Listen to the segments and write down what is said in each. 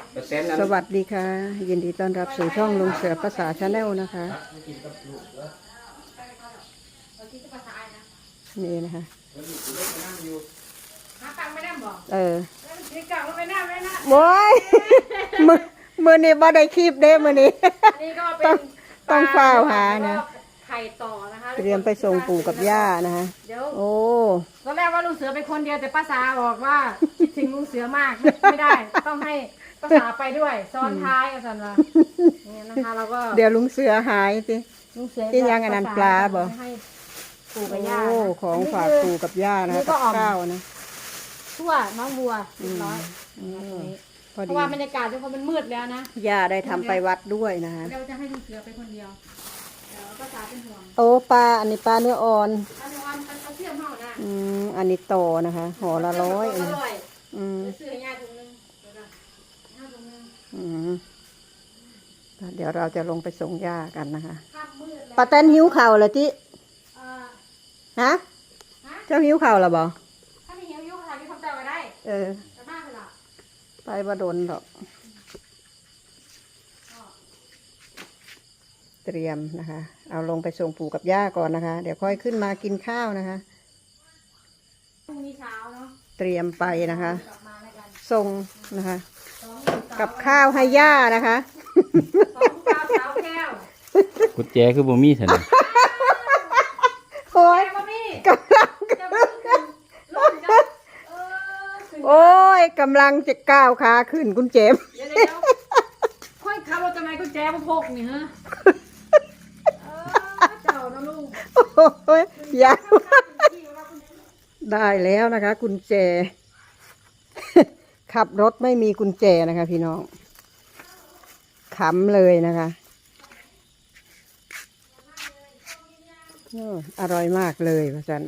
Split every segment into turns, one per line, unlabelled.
สวัสดีค่ะยินดีต้อนรับสู่ช่องลุงเสือภาษาชาแนลนะคะนี่นะคะโว้ยมือนี้บ่ได้คลิปเด้มือนี้ต้องเฝ้าหานะ
ไข่ต่อนะคะ
เตรียมไปส่งปู่กับย่านะคะโอ้
ตอนแรกว่าลุงเสือเป็นคนเดียวแต่ป้าสาบอกว่าคิดถึงลุงเสือมากไม่ได้ต้องให้ป้าสาไปด้วยซ้อนท้ายอาจารย์ว่าเนี่ยนะคะเราก็
เดี๋ยวลุงเสือหายสิ
ลุงเสือ
ที่ยังอันนั้นปลาบ่
ให้ปู่กับย่า
ของฝากปู่กับย่านะกับข้าวนะ
ทั่วน้องบัวเรียบร้อยเพราะว่าบรรยากาศที่มันมืดแล้วนะ
ย่าได้ทำไปวัดด้วยนะคะ
เราจะให้ลุงเสือไปคนเดียวป้าสาเป็นห่วง
โอ้ปลาอันนี้ปลาเนื้ออ่อน
เอาเทียมห่อนะ
อันนี้โตนะคะห่อละ100
ซื้อให้ย่าถุงนึง
เดี๋ยวเราจะลงไปส่งย่ากันนะคะป้าแตนหิวข่าวเหรอจิฮะเจ้าหิวข่าวเหรอบ่
ถ้าไม่หิวค่ะที่ทำใจไว้ได้จะมากเลยล่ะ
ไปบ่โดนหรอกเตรียมนะคะเอาลงไปส่งปู่กับย่าก่อนนะคะเดี๋ยวค่อยขึ้นมากินข้าวนะคะ
พรุ่งนี้เช้าเนาะ
เตรียมไปนะคะส่งนะคะกับข้าวให้ย่านะคะ
กุญแจคือบ่มีเถอะนะ
โอ้ยกำลังจะก้าวขาขึ้นคุณเจม
ค่อยขับรถทำไมกุญแจมาพกนี่ฮะเจ้านะลูก
โอ้ยยาได้แล้วนะคะกุญแจขับรถไม่มีกุญแจนะคะพี่น้องขำเลยนะคะอร่อยมากเลยพระจัน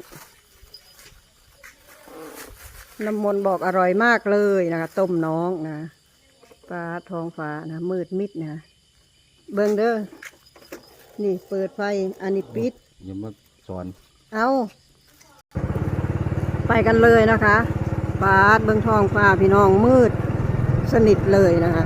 น้ำมนต์บอกอร่อยมากเลยนะคะต้มน้องนะฟ้าท้องฟ้านะมืดมิดนะเบิ่งเด้อนี่เปิดไฟอันนี้ปิด
อย่ามาสอน
เอาไปกันเลยนะคะฟ้าเบิ่งท้องฟ้าพี่น้องมืดสนิทเลยนะคะ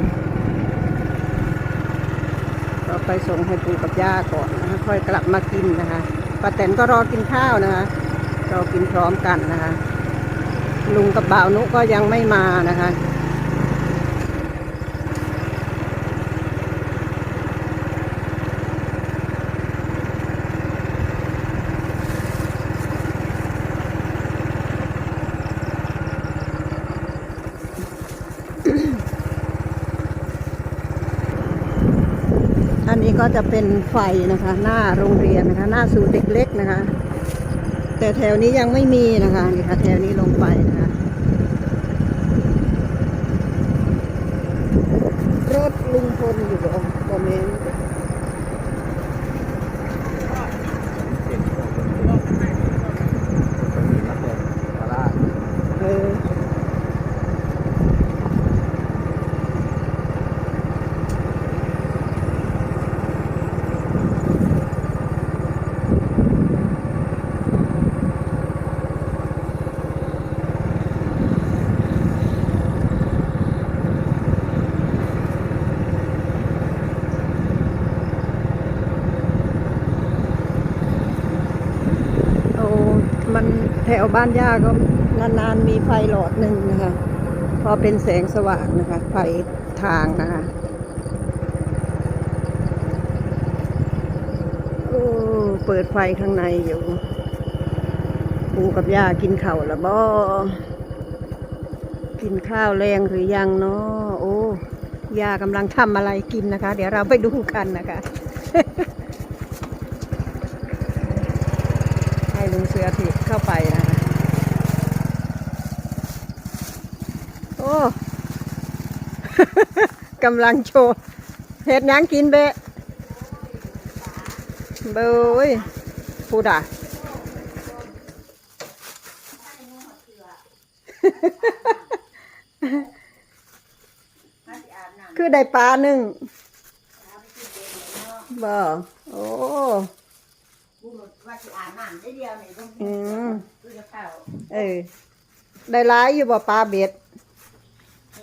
เราไปส่งให้ปู่กับย่าก่อนนะคะค่อยกลับมากินนะคะป้าแตนก็รอกินข้าวนะคะเรากินพร้อมกันนะคะลุงกับบ่าวนุก็ยังไม่มานะคะอันนี้ก็จะเป็นไฟนะคะหน้าโรงเรียนนะคะหน้าศูนย์เด็กเล็กนะคะแต่แถวนี้ยังไม่มีนะคะนี่ค่ะแถวนี้ลงไปนะคะรถลุงพลอยู่ตรงโมเมนต์มันแถวบ้านย่าก็นานๆมีไฟหลอดหนึ่งนะคะพอเป็นแสงสว่างนะคะไฟทางนะคะโอ้เปิดไฟข้างในอยู่ปู่กับย่ากินข้าวละบ่กินข้าวแรงหรือยังเนาะโอ้ย่ากำลังทำอะไรกินนะคะเดี๋ยวเราไปดูกันนะคะลุงเสือถีบเข้าไปนะคะโอ้ กำลังโชว์เห็ดยังกินเบะเบยพูดอ่ะ คือได้ปลาหนึ่งบ่โอ้
ว่าสิอาบน้ำได้เดียวนี่ต้องคือจะเข้า
ได้ร้ายอยู่บ่ปลาเบ็ด
ปลาหา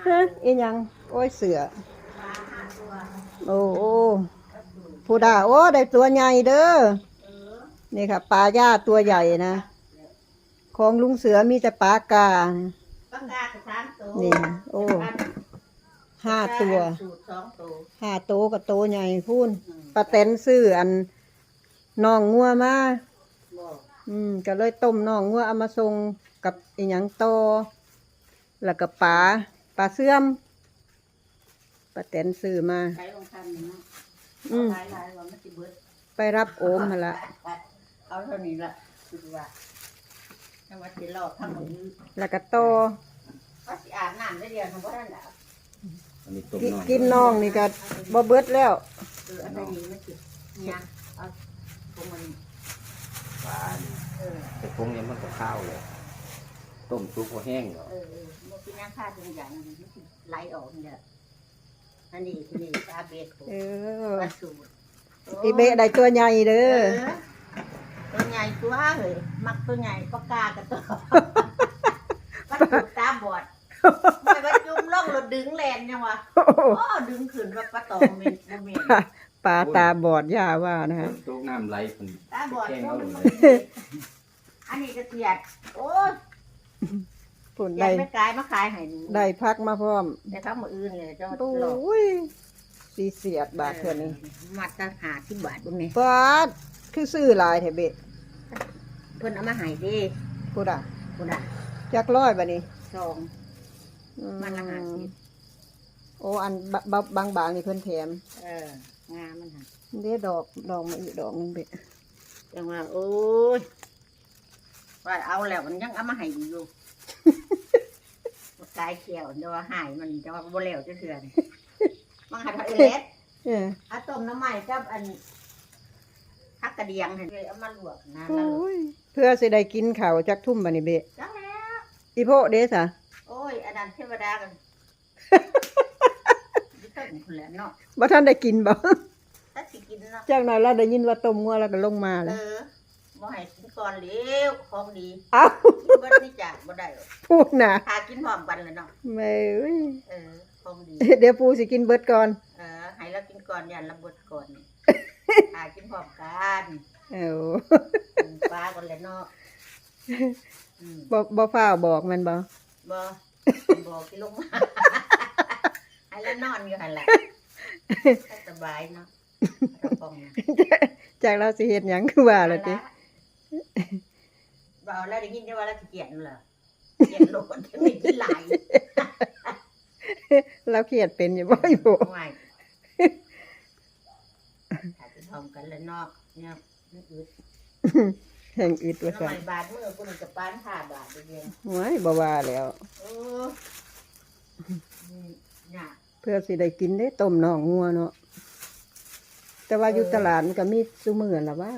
อีหยังโอ้ยเสือโอ้โอ้ผู้ด่าโอ้ได้ตัวใหญ่เด้อนี่ค่ะปลาย่าตัวใหญ่นะของลุงเสือมีแต่ปลากา
ปากกากับ3ตัว
นี่โอ้5 ตัว
สูตร2ตัว
5 ตัวกับตัวใหญ่พูนป้าแตนซื้ออันน้องงัวมา
บ่
ก็เลยต้มน้องงัวเอามาส่งกับอีหยังโตอแล้วก็ปลาเสื่อมป้าแตนซื้อมา
ใช้ลงทำนี่เนาะ
อืม
หลายๆว่ามันสิเบิด
ไปรับโอมมาละ
เอาเท่านี้ละคิดว่าจังหวัดสิรอทำมื้อ
แล้วก็โตอ
ว่าสิอาบน้ำได้เดียวทำบ่ทันดอก
อันนี้ต้ม
กินน้องนี่ก็บ่เบิดแล้ว
อันนี้มันสิเนี่ยเอาตรงมัน
ปลานี่
เออ
แต่พวกนี้มันก็ข้าวเลยต้มซุปก็แห้งเหรอ
บ่กินน้ำข้าวทุกอย่างมันสิไหลออกเนี่ยอันนี้ปลาเบ็ด
เอ
ป
อ
ลาสูตร
อีเบะได้ตัวใหญ่เด้อ
ตัวใหญ่ตัวเฮ้ยมักตัวใหญ่ปากกากับตัวปลาสูตรตาบอดไม่ว่าจุ่มล่องรถดึงแลนยังวะโอ้ดึงขึ้นว่าปลาตองเมนบ่เมน
ปลาตาบอดย่าว่านะฮะ
ต้มน้ำไหลคน
ตาบอด
แห้ง
โอ้
เอา
มัน
เลย
อันนี้กระเทียดโอ้ย
ผล
อยา
ได้
กไม่กายมาขายให้ดู
ได้พักมาพร้อม
แต่ทั้งมืออื่นเลยเจ้า
โอ
หลอก้
ยสีเสียดบาทเท่านี้
มัดตั้ง50 บาทบุญนี่
ปาดคือซื้อหลายแท้เบะ
เพิ่นเอามาให้ดิ
พูดอ่ะ
บุญอ่ะ
จักร้อยบัดนี้
ซอง มันละ50
โอ้อันบางๆนี่เพิ่นแถม
งามมันหั่น
เด้ดอกมาอีกดอกหนึงเบะ
จังว่าโอ้ยว่าเอาแล้วมันยังเอามาให้อยู่ กายเขียวเดี๋ยวว่าหายมันจะว่าบ่แล้วจะเถื่อนมังหัดเอเลส
เออ
เอาต้มน้ำใหม่กับอันฮักกระเดียงเห็นเลยเอามาลวกนะ
โอ
แล้ว
้ยเพื่อสิได้กินข้าวจักทุ่มบัดนี้เบะ
จังแล้ว
อีโพเด้ซะ
โอ้ยอันนั้นเทวดากันยิ่งต้นคุณแหละเนาะ
บ่ทันได้กินบ่
ถ้าสิกินเนาะ
จากหน่อยเราได้ยินว่าต้มงัวแล้วก็ลงมาแล้ว
บ่ให้กินก่อนเร็วของดี
เอ้า
กินเบิดนี่จ้ะบ่ได้หรอก
พูดน่ะ
หากินพร้อมกันเลยเนาะ
แม่เอ้ย
ของดี
เดี๋ยวปูสิกินเบิดก่อน
ให้เรากินก่อนยันเราเบิดก่อนหากินพร้อมกัน
เอ้า
ปลาก่อนเลยเนาะ
บ่ฟ้าวบอกมันบ่
บ่บอกที่ลงมา ให้แล้วนอนอยู่หั่นแหละสบายเนาะเราป้องนะ
จากเราสิเฮ็ดหยังคือว่าล่ะติ
บ่เอาแล้วได้ยินได้ว่าเราสิเกลียดนั่นเหรอเกลียดโลกมันไม่กินหลาย
เราเครียดเป็นอยู่บ่อีโบ
ไม่หากินพร้อมกันแล้วเนาะเนี่ยมันอึด
แห่งอึดว่า
น้ำ
ซั่
มัน นบาทมื้อกูนี่ก็ปาน5 บาทเดียว
โอ้ยบ่ว่าแล้ว
โอ้ยาก
เพื่อสิได้กินได้ต้มน่องงัวเนาะแต่ว่าอยู่ตลาดมันก็มีซุมื้อล่ะว่า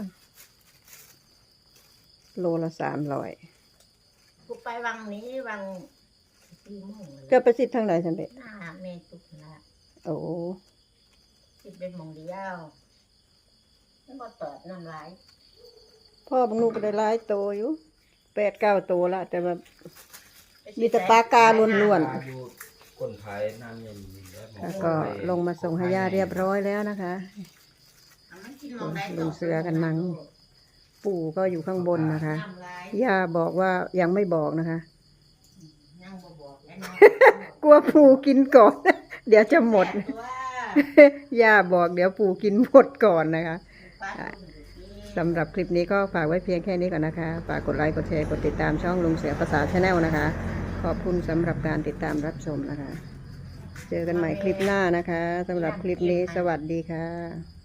โลละ300
กูไปวังนี้วัง4 โมงเลย
จะไปสิทางไหนซั่นเด้
หน้าเมตุกนะ
โอ้
สิเป็นโมงเดียวแล้วก็ตอดน้ำลาย
พ่อบางลูกก็ได้หลายโตอยู่8-9โตละแต่ว่ามีแต่ปลากาล้วน
ปลาอยู่คนขายน้ำเย็นแล้ว
ๆแล้วก็ลงมาส่งให้ย่าเรียบร้อยแล้วนะคะ
เอามันกินมองได้
ลุงเสือกันมั้ง ปู่ก็อยู่ข้างบนนะคะ
น้ำลาย
ย่าบอกว่ายังไม่บอกนะคะ
ยังบ่บอกแล้วเนาะ
กลัวปู่กินก่อน เดี๋ยวจะหมด
แต่ว่า
ย่าบอกเดี๋ยวปู่กินหมดก่อนนะคะ
ปลาตุ่มอยู่ที่
สำหรับคลิปนี้ก็ฝากไว้เพียงแค่นี้ก่อนนะคะ ฝากกดไลค์ กดแชร์ กดติดตามช่องลุงเสือภาษาชาแนลนะคะ ขอบคุณสำหรับการติดตามรับชมนะคะ เจอกันใหม่คลิปหน้านะคะสำหรับคลิปนี้สวัสดีค่ะ